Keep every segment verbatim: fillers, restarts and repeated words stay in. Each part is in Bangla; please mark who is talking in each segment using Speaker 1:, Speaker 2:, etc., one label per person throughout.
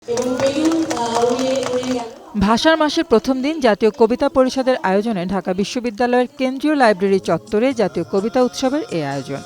Speaker 1: ভাষার মাসের প্রথম দিন জাতীয় কবিতা পরিষদের আয়োজনে ঢাকা বিশ্ববিদ্যালয়ের কেন্দ্রীয় লাইব্রেরি চত্বরে জাতীয় কবিতা উৎসবের এই আয়োজন।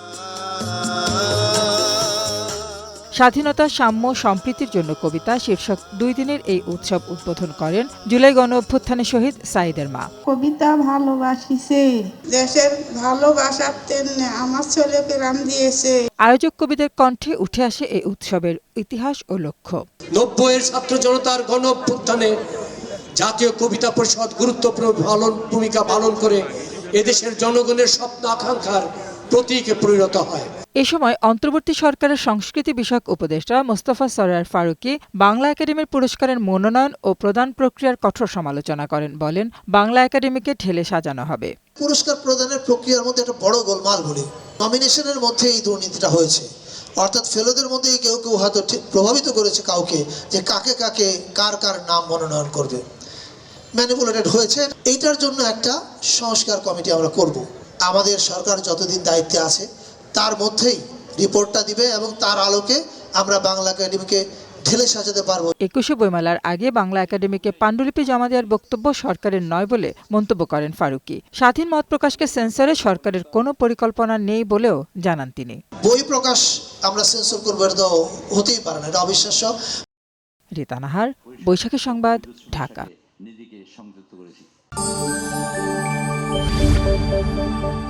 Speaker 1: স্বাধীনতা, সাম্য, সম্প্রীতির জন্য কবিতা শীর্ষক দুই দিনের এই উৎসব উদ্বোধন করেন জুলাই গণ অভ্যুত্থানের শহীদ সাঈদের মা।
Speaker 2: কবিতা ভালোবাসিছে, দেশের ভালোবাসার তেমনি আমার ছেলেকে রাম দিয়েছে।
Speaker 1: আয়োজক কবিদের কণ্ঠে উঠে আসে এই উৎসবের ইতিহাস ও লক্ষ্য।
Speaker 3: নব্বইয়ের ছাত্র জনতার গণ অভ্যুত্থানে জাতীয় কবিতা পরিষদ গুরুত্বপূর্ণ ভূমিকা পালন করে এদেশের জনগণের স্বপ্ন আকাঙ্ক্ষার প্রতীকে পরিণত হয়।
Speaker 1: এ সময় অন্তর্বর্তী সরকারের সংস্কৃতি বিষয়ক উপদেষ্টা মোস্তফা সরয়ার ফারুকী বাংলা একাডেমির পুরস্কারের মনোনয়ন ও প্রদান প্রক্রিয়ার কঠোর সমালোচনা করেন। বলেন, বাংলা একাডেমিকে ঢেলে সাজানো হবে।
Speaker 4: পুরস্কার প্রদানের প্রক্রিয়ার মধ্যে একটা বড় গোলমাল ঘটে। নমিনেশনের মধ্যে এই দুর্নীতিটা হয়েছে, অর্থাৎ ফেলোদের মধ্যে কেউ কেউ হয়তো প্রভাবিত করেছে কাউকে যে কাকে কাকে কার কার নাম মনোনয়ন করবে, ম্যানিপুলেটেড হয়েছে। এইটার জন্য একটা সংস্কার কমিটি আমরা করব। আমাদের সরকার যতদিন দায়িত্বে আছে তার মধ্যেই রিপোর্টটা দিবে এবং তার আলোকে আমরা বাংলা একাডেমিকে ঢেলে সাজাতে পারবো।
Speaker 1: একুশে বইমেলার আগে বাংলা একাডেমিকে পাণ্ডুলিপি জমা দেওয়ার বক্তব্য সরকারের নয় বলে মন্তব্য করেন ফারুকী। স্বাধীন মত প্রকাশকে সেন্সরে সরকারের কোনো পরিকল্পনা নেই বলেও জানান তিনি।
Speaker 4: বই প্রকাশ আমরা সেন্সর করবো, এটা তো হতেই পারে না, এটা অবিশ্বাস্য।
Speaker 1: রিতা নাহার, বৈশাখী সংবাদ, ঢাকা।